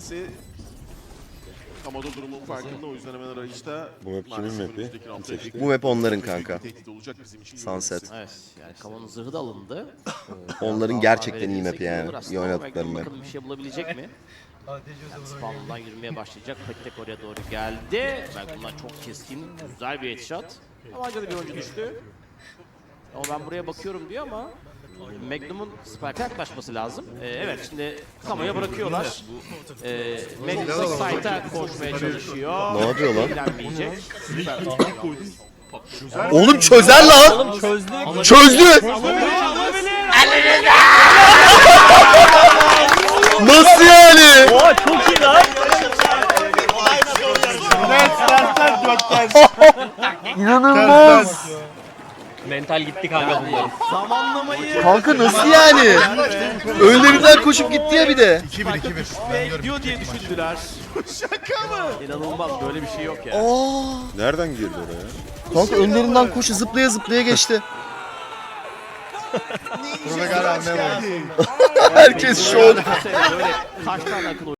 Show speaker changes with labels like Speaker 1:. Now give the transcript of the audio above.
Speaker 1: kendisi. Ama da durumun farkında, o yüzden hemen arayışta.
Speaker 2: Bu map kimin mapi? Kim seçti?
Speaker 3: Bu map onların kanka.
Speaker 1: Tehdit olacak bizim için.
Speaker 3: Sunset.
Speaker 4: Evet, yani Kamon'un zırhı da alındı.
Speaker 3: Onların gerçekten iyi map'i yani. İyi oynadıkları map.
Speaker 4: Bakalım bir şey bulabilet mi? Yani spawn'dan yürümeye başlayacak. Petek oraya doğru geldi. Belki bundan çok keskin, güzel bir headshot. Ama acaba bir oyuncu düştü. Ama ben buraya bakıyorum diyor ama Magnum'un Spike'a yaklaşması lazım. Evet, şimdi Kamo'ya bırakıyorlar. Magnum site'a koşmaya çalışıyor.
Speaker 3: Ne yapıyor lan?
Speaker 4: İlgilenmeyecek.
Speaker 3: Oğlum çözer lan! Çözdü! Nasıl yani?
Speaker 5: Oha çok iyi lan.
Speaker 3: İnanılmaz!
Speaker 5: Mental gitti kanka bunların.
Speaker 4: Zamanlamayı
Speaker 3: Kanka nasıl yani? Önlerinden koşup gitti ya bir de.
Speaker 1: 2-1.
Speaker 4: gidiyor diye düşündüler.
Speaker 1: Şaka mı?
Speaker 4: İnanılmaz, böyle bir şey yok ya.
Speaker 3: Aa!
Speaker 2: Nereden girdi oraya?
Speaker 3: Kanka önlerinden koşu zıplaya zıplaya geçti. Herkes şok.
Speaker 4: Böyle kaç tane akıl